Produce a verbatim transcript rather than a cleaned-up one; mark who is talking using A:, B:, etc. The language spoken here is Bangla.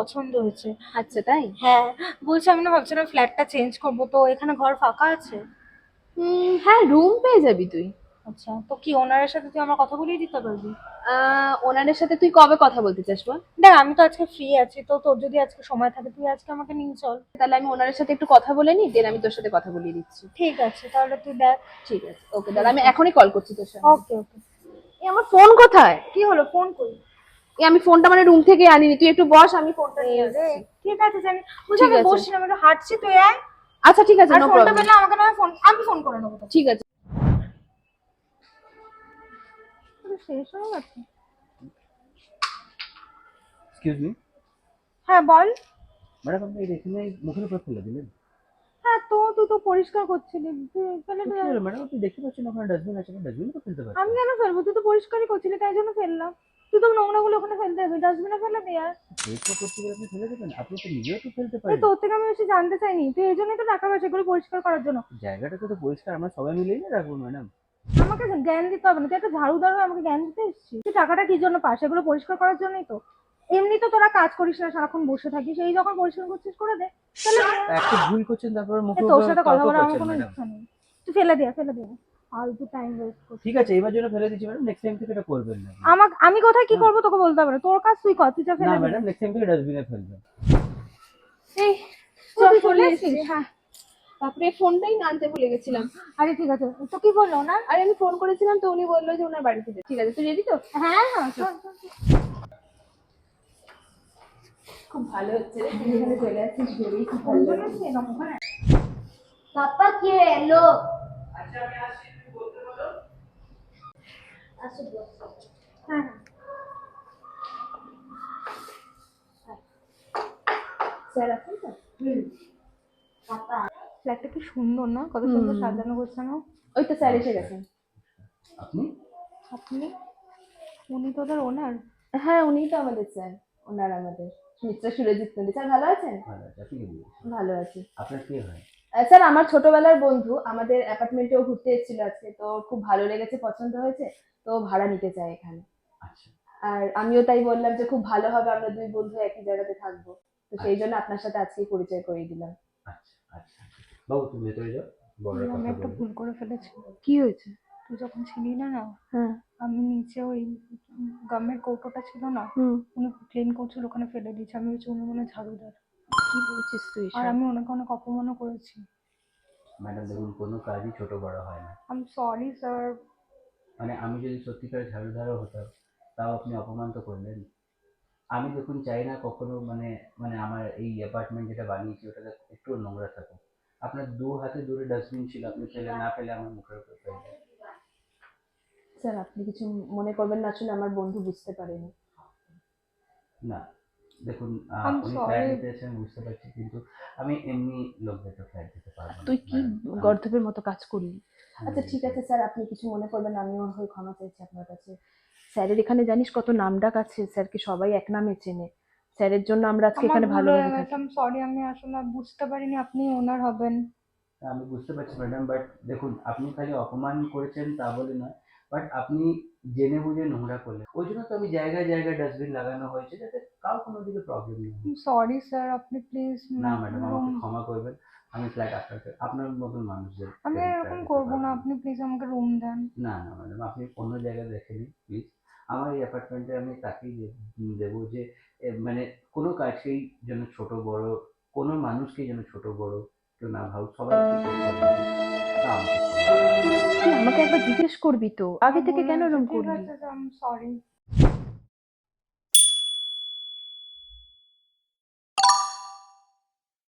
A: পছন্দ হয়েছে।
B: আচ্ছা তাই?
A: হ্যাঁ, বলছি আমি না ভাবছিলাম ফ্ল্যাটটা চেঞ্জ করবো, তো এখানে ঘর ফাঁকা আছে?
B: হুম, হ্যাঁ রুম পেয়ে যাবি তুই।
A: আচ্ছা, তো কি ওনারের সাথে তুই আমার কথা বলিয়ে দিতে পারবি?
B: আহ ওনাদের সাথে তুই কবে কথা বলতে চাস বল?
A: দেখ আমি তো আজকে ফ্রি আছি, তো তোর যদি আজকে সময় থাকে তুই আজকে আমাকে নিয়ে চল।
B: তাহলে আমি ওনাদের সাথে একটু কথা বলে নিই, দেন আমি তোর সাথে কথা বলিয়ে দিচ্ছি।
A: ঠিক আছে, তাহলে তুই দেখ।
B: ঠিক আছে, ওকে দাদা, আমি এখনই কল করছি তোর সাথে।
A: ওকে ওকে।
B: এই আমার ফোন কোথায়?
A: কি হলো, ফোন করি?
B: এই আমি ফোনটা মানে রুম থেকে আনিনি, তুই একটু বস, আমি ফোনটা নিয়ে
A: রে,
B: আসছি।
A: ঠিক আছে জানি, বুঝে
B: ঠিক
A: আমি
B: আছে।
A: বসছি না, আমি একটু হাঁটছি, তুই আয়।
B: আচ্ছা ঠিক আছে,
A: আর
B: নো
A: ফোনটা
B: প্রবলেম।
A: পেলে আমাকে না ফোন, আমি ফোন করে নেবো তোকে।
B: ঠিক আছে।
A: তোর শেষ হয়ে গেছে?
C: এক্সকিউজ মি
A: হ্যাঁ বল।
C: ম্যাডাম, আপনি এটা এখানে মুখের উপর ফেলে দিলেন?
A: হ্যাঁ, তো তুই তো পরিষ্কার করছিলি, তুই ফেলে
C: তো
A: দে।
C: কি হলো ম্যাডাম, আপনি দেখতে পাচ্ছেন ওখানে ডাস্টবিন আছে, ডাস্টবিনে তো ফেলতে
A: আমি
C: পারছেন।
A: কেন ফেলবো? তুই তো পরিষ্কারই করছিলি, তাই জন্য ফেললাম। তুই তো নোংরাগুলো ওখানে ফেলতে হবে, ডাস্টবিনে ফেলে দে আর।
C: পরিষ্কার করতে গেলে আপনি ফেলে দেবেন? আপনি তো নিজেও তো ফেলতে
A: এই
C: পারেন।
A: তোর থেকে আমি বেশি জানতে চাইনি, তুই এই জন্যই তো টাকা পয়সা এগুলো পরিষ্কার করার জন্য।
C: জায়গাটা তো পরিষ্কার আমরা সবাই মিলেই না রাখবো ম্যাডাম।
A: আমাকে জ্ঞান দিতে হবে না, তুই একটা ঝাড়ুদার হয়ে আমাকে জ্ঞান দিতে এসেছিস? তুই টাকাটা কি জন্য পাস? এগুলো পরিষ্কার করার জন্যই তো। এমনি তো তোরা কাজ করিস না, সারাক্ষণ বসে থাকিস, এই যখন পরিষ্কার করছিস করে দে। তাহলে দে।
C: একটা ভুল করছেন তারপর
A: এ,
C: মুখের
A: তোর
C: উপর
A: সাথে কথা
C: তর্ক
A: বলার আমার
C: করছেন
A: কোনো
C: ম্যাডাম।
A: ইচ্ছা নেই। তুই ফেলে দে, ফেলে দে। ফালতু টাইম ওয়েস্ট করছিস।
C: ঠিক আছে, এবার জন্য ফেলে দিচ্ছি ম্যাডাম, নেক্সট টাইম থেকে এটা করবেন না।
A: আমাকে, আমি কোথায় কি করবো তোকে বলতে হবে না, তোর কাজ তুই কর, তুই যা
C: না
A: ফেলে দে।
C: ম্যাডাম, নেক্সট টাইম থেকে ডাস্টবিনে ফেলবেন।
B: এই
A: ও,
B: চল
A: তুই
B: চলে
A: চলে
B: এসেছি।
A: এসেছিস?
B: হ্যাঁ, তারপরে ফোনটাই না আনতে ভুলে গেছিলাম।
A: আরে ঠিক আছে, তো কি বললো না?
B: আরে আমি ফোন করেছিলাম তো উনি বললো যে ওনার বাড়িতে যেতে। ঠিক আছে, তুই রেডি তো?
A: হ্যাঁ হ্যাঁ, চল চল চল।
B: খুব ভালো হচ্ছে রে, তুই এখানে চলে আসছিস ভেবেই খুব ভালো
A: কোন
B: লাগছে।
A: জন্য এরকম ওখানে?
D: পাপা কে এলো? আসো বসো।
A: হ্যাঁ হ্যাঁ।
B: স্যার আছেন তো?
D: হুম। পাপা
A: ফ্ল্যাটটা কি সুন্দর না, কত সুন্দর সাজানো গোছানো।
B: ওই তো স্যার এসে গেছেন।
C: আপনি?
A: আপনি? উনি তোদের ওনার?
B: হ্যাঁ উনিই তো আমাদের স্যার, ওনার আমাদের মিস্টার সুরজিৎ নন্দী। স্যার ভালো আছেন?
C: ভালো আছে, আপনি কি বলছেন?
B: ভালো আছি।
C: আপনার কে হয়?
B: আহ, স্যার আমার ছোটবেলার বন্ধু, আমাদের অ্যাপার্টমেন্টেও ঘুরতে এসেছিল আজকে, তো খুব ভালো লেগেছে, পছন্দ হয়েছে, তো ভাড়া নিতে চাই এখানে।
C: আচ্ছা
B: আর আমিও তাই বললাম যে খুব ভালো হবে, আমরা দুই বন্ধু একই জায়গাতে থাকবো, তো সেই জন্য আপনার সাথে আজকেই পরিচয় করিয়ে দিলাম।
C: আচ্ছা আচ্ছা। বাবু তুমি ভেতরে যাও, বড়রা
A: আমি
C: কথা
A: একটা
C: বলবো।
A: ভুল করে ফেলেছি।
B: কি হয়েছে?
A: তুই যখন ছিলি না না,
B: হ্যাঁ।
A: আমি নিচে ওই গামের কৌটোটা ছিল না,
B: হুম।
A: উনি ক্লিন করছিল, ওখানে ফেলে দিয়েছি। আমি হচ্ছে উনি মনে হয় ঝাড়ুদার।
B: কি বলছিস তুই
A: আর
B: সব?
A: আমি ওনাকে অনেক অপমানও করেছি।
C: ম্যাডাম দেখুন, কোনো কাজই ছোট বড় হয় না।
A: I am sorry sir.
C: মানে আমি যদি সত্যিকার ঝাড়ুদারও হতাম, তাও আপনি অপমান তো করলেন। আমি দেখুন চাই না কখনো মানে মানে আমার এই অ্যাপার্টমেন্ট যেটা বানিয়েছি ওটাতে একটু নোংরা থাকুক। আপনার দু হাতে দূরে ডাস্টবিন ছিল, আপনি ফেলে না ফেলে আমার মুখের উপর ফেললেন।
B: স্যার আপনি কিছু মনে করবেন না, আসলে আমার বন্ধু বুঝতে পারেনি।
C: না দেখুন, আহ,
A: আই এম
C: উনি ফ্ল্যাট
A: সরি।
C: নিতে এসেছেন বুঝতে পারছি, কিন্তু আমি এমনি লোকদেরকে ফ্ল্যাট দিতে পারবো না
B: তুই কি
C: ম্যাডাম। আমি-
B: গর্ধপের মতো কাজ করলি?
C: আমি
B: আচ্ছা ঠিক
C: বুঝতে
B: আছে স্যার, আপনি কিছু মনে করবেন না, আমি ওর হয়ে ক্ষমা চাইছি আপনার কাছে। স্যারের এখানে জানিস কত নামডাক আছে, স্যারকে সবাই এক নামে চেনে, স্যারের জন্য আমরা আজকে
A: আমার
B: এখানে
A: ভুল হয়ে
B: ভালোভাবে
A: গেছে,
B: থাকি।
A: I am sorry. আমি আসলে বুঝতে পারিনি আপনি ওনার হবেন।
C: আমি বুঝতে পারছি ম্যাডাম, বাট দেখুন আপনি খালি অপমান করেছেন তা বলে নয়, বাট আপনি জেনে বুঝে নোংরা করলেন, ওই জন্য তো আমি জায়গায় জায়গায় ডাস্টবিন লাগানো হয়েছে যাতে কাউ কোনো দিকে প্রবলেম নেই।
A: সরি স্যার, আপনি প্লিজ
C: না ম্যাডাম,
A: রুম।
C: আমাকে ক্ষমা করবেন। আমি ফ্ল্যাট আপনাকে আপনার মতন মানুষদের
A: আমি আর এরকম করবো না, আপনি প্লিজ আমাকে রুম দেন।
C: না না ম্যাডাম, আপনি অন্য জায়গায় দেখে নিন প্লিজ। আমার এই অ্যাপার্টমেন্টে আমি তাকেই দে- দেবো যে এ, মানে কোনো কাজকেই যেন ছোট বড়, কোনো মানুষকেই যেন ছোট বড় কেউ না ভাবুক, সবাই তা আমাকে ক্ষমা করবেন।
B: তুই আমাকে একবার জিজ্ঞেস করবি তো, আগে থেকে কেন এরকম
A: ঠিক
B: করলি?
A: আছে, আই এম সরি।